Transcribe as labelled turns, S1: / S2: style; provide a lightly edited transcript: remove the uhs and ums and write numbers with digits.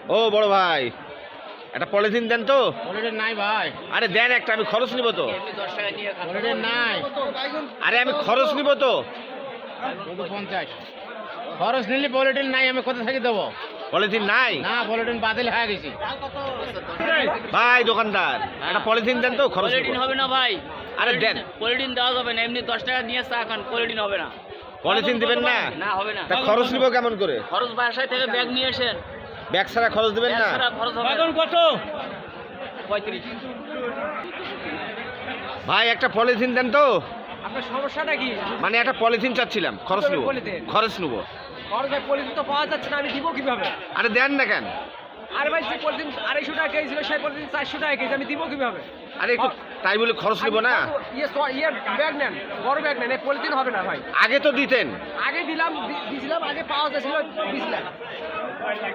S1: ও বড় ভাই, একটা পলিথিন দেন তো।
S2: পলিথিন নাই ভাই।
S1: আরে দেন একটা, আমি খরচ নিব তো।
S2: পলিথিন নাই।
S1: আরে আমি খরচ নিব তো।
S2: 50 খরচ নিলে পলিথিন নাই, আমি কোথা থেকে দেবো?
S1: পলিথিন নাই
S2: না, পলিথিন বাতিল হয়ে গেছি।
S1: ভাই দোকানদার, একটা পলিথিন দেন তো, খরচ নিব।
S3: পলিটিন হবে না ভাই।
S1: আরে দেন।
S3: পলিটিন দেওয়া যাবে না, এমনি 10 টাকা নিয়ে চা খান, পলিটিন হবে না।
S1: পলিথিন দিবেন না?
S3: না হবে না।
S1: তা খরচ নিব কেমন করে?
S3: খরচ বাসায় থেকে ব্যাগ নিয়ে আসেন।
S1: ব্যাগ ছাড়া খরচ দিবেন
S3: ব্যাগ
S1: না?
S3: ছাড়া খরচ হবে না।
S2: কত?
S3: 35।
S1: ভাই একটা পলিথিন দেন তো।
S4: আপনার সমস্যাটা কি?
S1: মানে একটা পলিথিন চাচ্ছিলাম, খরচ নিব।
S4: পলিথিন?
S1: খরচ নিব।
S4: ভাই পলিথিন তো পাওয়া যাচ্ছে না, আমি দিব কিভাবে?
S1: আরে দেন না কেন?
S4: আরে ভাই, যে পলিথিন 250 টাকা কেজি ছিল সেই পলিথিন 400 টাকা কেজি, আমি দিব কিভাবে?
S1: আরে একটু তাই বলে খরচ নিব না?
S4: ইয়ে ব্যাগ নেন, বড় ব্যাগ নেন, এই পলিথিন হবে না ভাই।
S1: আগে তো দিতেন।
S4: আগে দিলাম, দিছিলাম, আগে পাওয়া যাচ্ছিল, দিছিলাম।